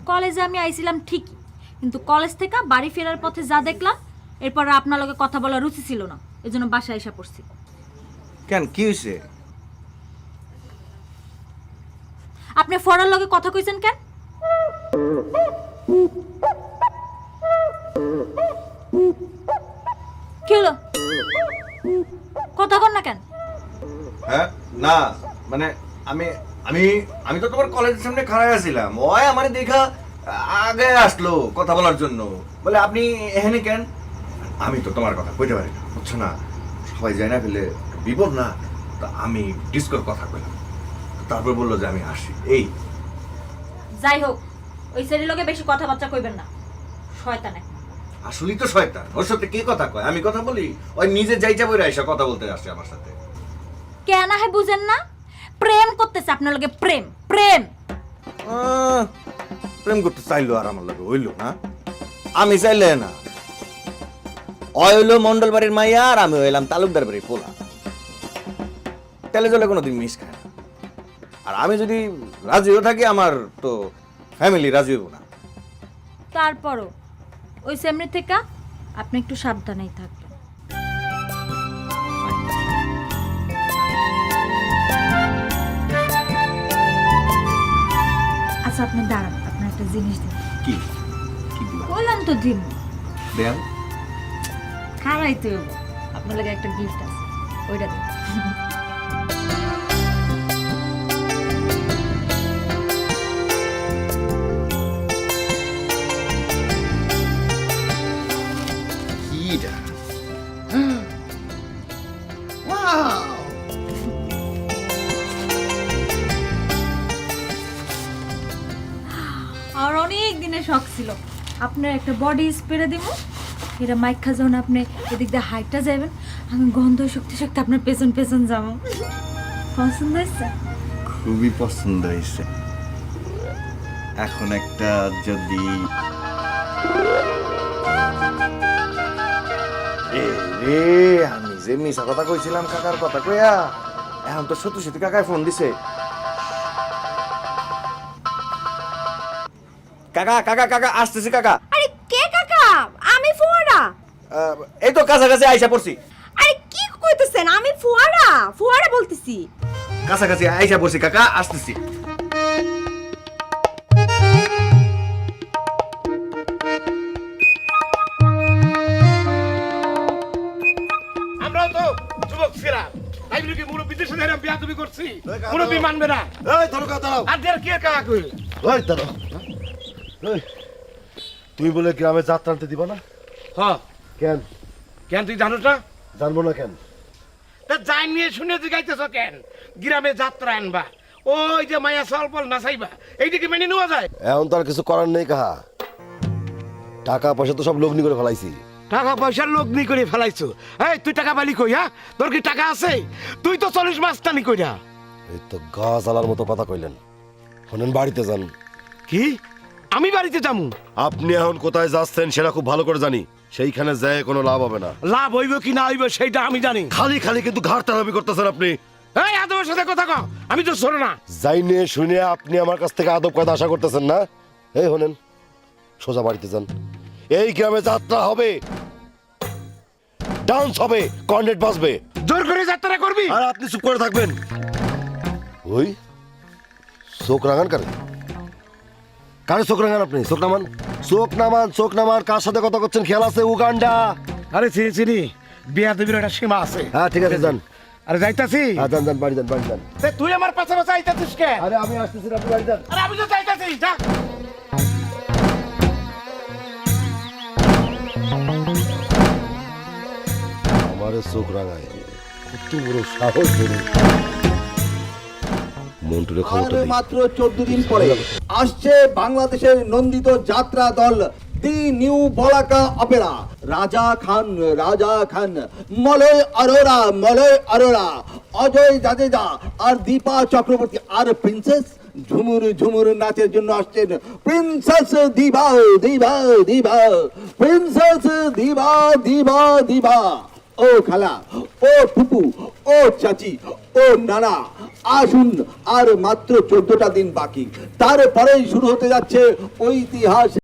কলেজে আমি আইছিলাম ঠিকই, কিন্তু কলেজ থেকে বাড়ি ফেরার পথে যা দেখলাম এরপর আপনার লগে কথা বলার রুচি ছিল না, এজন্য বাসায় এসে পড়ছি। কেন, কি হয়েছে? আপনি ফরার লগে কথা কইছেন কেন? কি হলো, কথা কর না কেন? হ্যাঁ না মানে আমি আমি আমি তো তোমার কলেজের সামনে খাড়া আছিলাম, ওই আমার দেখা আগে আসলো কথা বলার জন্য, বলে আপনি এখানে কেন? আমি তো তোমার কথা কইতে পারি না, বুঝছো না, সবাই যায় না ফেলে বিপদ না, তা আমি ডিসকর কথা কইলাম, তারপর বললো যে আমি আসি। এই যাই হোক, ওই ছেলের লগে বেশি কথাবার্তা কইবেন না, শয়তান এক। আসলেই তো শয়তান, ওর সাথে কে কথা কয়? আমি কথা বলি? ওই নিজে যাইটা বইরা এসে কথা বলতে আসে আমার সাথে। কেন হে বুঝেন না? প্রেম করতেছে আপনার লগে, প্রেম প্রেম। প্রেম করতে চাইলো আর আমার লাগে হইলো না? আমি চাইলে না, ওই হইলো মন্ডল বাড়ির মাইয়া আর আমি হইলাম তালুকদার বাড়ির পোলা, তেলে জলে কোনোদিন মিস খায় না। আর আমি যদি রাজিও থাকি আমার তো ফ্যামিলি রাজি হইব না। তারপরও ওই সেমনি থেকে আপনি একটু সাবধানেই থাকবেন। আচ্ছা আপনি দাঁড়ান, আপনার একটা জিনিস দিন। কি কি দিবা? বললাম তো দিন, দেন। খারাই তো আপনার লাগে একটা গিফট আছে, ওইটা দিন। কিটা? ওয়াও! আর অনেক দিনের শখ ছিল আপনার একটা বডি স্প্রে দিব, এটা মাইখা যখন আপনি এদিক দিয়ে হাইটটা যাবেন, আমি গন্ধ শক্তি শক্তি আপনার পেছন পেছন যাবো। পছন্দ হয়েছে? খুবই পছন্দ হয়েছে। এখন একটা যদি রে, আমি যে মিশা কথা কইছিলাম কাকার কথা কইয়া, এখন তো সত্যি সত্যি কাকায় ফোন দিছে। কাকা কাকা কাকা আসতেছি কাকা। আরে কে কাকা? আমি ফুয়ারা। এই তো কাছাকাছি আইসা পড়ছি। আরে কি কইতেছেন? আমি ফুয়ারা, ফুয়ারা বলতেছি। কাছাকাছি আইসা পড়ছি কাকা, আসতেছি। আমরাও তো যুবক ছিলাম, তাই বলে কি মুরব্বীদের সাথে এরকম বিয়াদবি করছি? মুরব্বী মানবে না। এই ধরো কা দাঁড়াও। আর দের কি কাকা কই? ওই দাঁড়াও। এই, তুমি বলে গ্রামে যাত্রা আনতে দিবা না? হ্যাঁ, কেন? কেন তুই জানোস না? জানবো না কেন? তা যাই নিয়ে শুনে জিগাইতেছ কেন? গ্রামে যাত্রা আনবা, ওই যে মায়া সলপল নাচাইবা, এইদিকে মেনে নেওয়া যায়? এখন তো আর কিছু করার নেই কাহা। টাকা পয়সা তো সব লগ্নি করে ফেলাইছি। টাকা পয়সার লোক নি করে ফেলাইছো। এই তুই টাকা পালি কই? হ্যাঁ, তোর কি টাকা আছে? তুই তো 40 মাস টানি কইরা। এই তো গাছ আলার মতো কথা কইলেন। শোনেন, বাড়িতে যান। কি? আমি বাড়িতে যামু? আপনি এখন কোথায় যাচ্ছেন সেটা খুব ভালো করে জানি। সেইখানে যায় কোনো লাভ হবে না। লাভ হইব কি না হইব সেইটা আমি জানি। খালি খালি কিন্তু ঘাড় তাড়াবি করতেছেন আপনি। এই আদবের সাথে কথা কও, আমি তো শোনো না। যাইনে শুনে আপনি আমার কাছ থেকে আদব কথা আশা করতেছেন না? এই শোনেন, সোজা বাড়িতে যান। এই গ্রামে যাত্রা হবে, ডান্স হবে, কর্নেট বাজবে, জোর করে যাত্রা করবি? আর আপনি চুপ করে থাকবেন। ওই চোখ রাঙান কারে? কারে চোখ রাঙান আপনি? চোখ নামান, চোখ নামান, চোখ নামান। কার সাথে কথা করছেন খেয়াল আছে? উগান্ডা। আরে চিনি চিনি, বিয়াদবির একটা সীমা আছে। হ্যাঁ ঠিক আছে, যান। আরে যাইতাছি। হ্যাঁ যান যান, বাড়ি যান, বাড়ি যান। তে তুই আমার পাশে পাশে আইতাছিস কে? আরে আমি আসতেছি না, আপনি বাড়ি যান। আরে আমি তো যাইতাছি, যা। আমারে চোখ রাঙায়, কত বড় সাহস! ধরে মন্টুরে খবরটা দিই। মাত্র 14 দিন পরে আসছে বাংলাদেশের নন্দিত যাত্রা দল দি নিউ বলাকা অপেরা। রাজা খান, মলয় অরোরা, অজয় জাদেজা আর দীপা চক্রবর্তী আর প্রিন্সেস ঝুমুর নাচের জন্য আসছেন প্রিন্সেস দিবা। প্রিন্সেস দিবা। ও খালা, ও ফুপু, ও চাচি, ও নানা, আসুন, আর মাত্র 14টা দিন বাকি, তারপরেই শুরু হতে যাচ্ছে ঐতিহাসিক